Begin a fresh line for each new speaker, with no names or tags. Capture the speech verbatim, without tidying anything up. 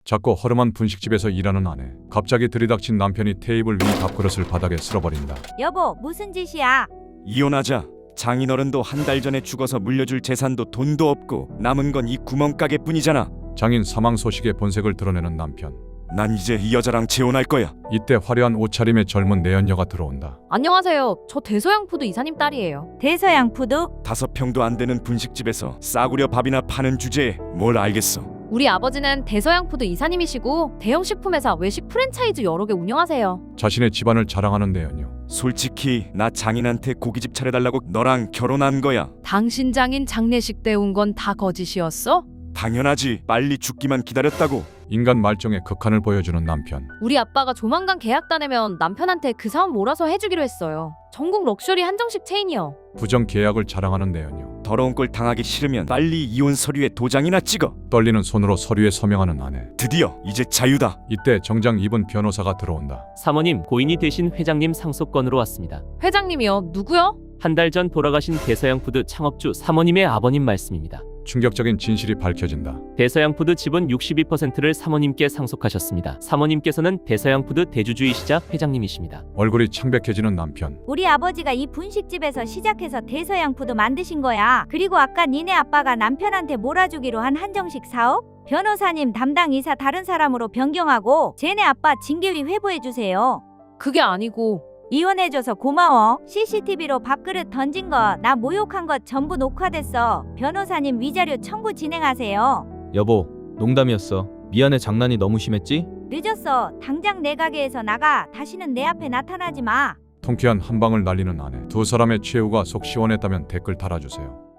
작고 허름한 분식집에서 일하는 아내. 갑자기 들이닥친 남편이 테이블 위 밥그릇을 바닥에 쓸어버린다.
여보, 무슨 짓이야?
이혼하자. 장인어른도 한 달 전에 죽어서 물려줄 재산도 돈도 없고 남은 건 이 구멍가게뿐이잖아.
장인 사망 소식에 본색을 드러내는 남편.
난 이제 이 여자랑 재혼할 거야.
이때 화려한 옷차림의 젊은 내연녀가 들어온다.
안녕하세요. 저 대서양푸드 이사님 딸이에요.
대서양푸드?
다섯 평도 안 되는 분식집에서 싸구려 밥이나 파는 주제에 뭘 알겠어.
우리 아버지는 대서양푸드 이사님이시고 대형 식품회사 외식 프랜차이즈 여러 개 운영하세요.
자신의 집안을 자랑하는 내연녀.
솔직히 나 장인한테 고깃집 차려달라고 너랑 결혼한 거야.
당신 장인 장례식 때 온 건 다 거짓이었어?
당연하지. 빨리 죽기만 기다렸다고.
인간 말종의 극한을 보여주는 남편.
우리 아빠가 조만간 계약 따내면 남편한테 그 사업 몰아서 해주기로 했어요. 전국 럭셔리 한정식 체인이요.
부정 계약을 자랑하는 내연녀.
더러운 꼴 당하기 싫으면 빨리 이혼 서류에 도장이나 찍어.
떨리는 손으로 서류에 서명하는 아내.
드디어 이제 자유다.
이때 정장 입은 변호사가 들어온다.
사모님, 고인이 되신 회장님 상속건으로 왔습니다.
회장님이요? 누구요?
한 달 전 돌아가신 대서양푸드 창업주 사모님의 아버님 말씀입니다.
충격적인 진실이 밝혀진다.
대서양푸드 지분 육십이 퍼센트를 사모님께 상속하셨습니다. 사모님께서는 대서양푸드 대주주이시자 회장님이십니다.
얼굴이 창백해지는 남편.
우리 아버지가 이 분식집에서 시작해서 대서양푸드 만드신 거야. 그리고 아까 니네 아빠가 남편한테 몰아주기로 한 한정식 사업? 변호사님 담당 이사 다른 사람으로 변경하고 쟤네 아빠 징계위 회부해주세요.
그게 아니고
이혼해줘서 고마워. 씨씨티비로 밥그릇 던진 거 나 모욕한 거 전부 녹화됐어. 변호사님 위자료 청구 진행하세요.
여보, 농담이었어. 미안해, 장난이 너무 심했지?
늦었어. 당장 내 가게에서 나가. 다시는 내 앞에 나타나지 마.
통쾌한 한방을 날리는 아내. 두 사람의 최후가 속 시원했다면 댓글 달아주세요.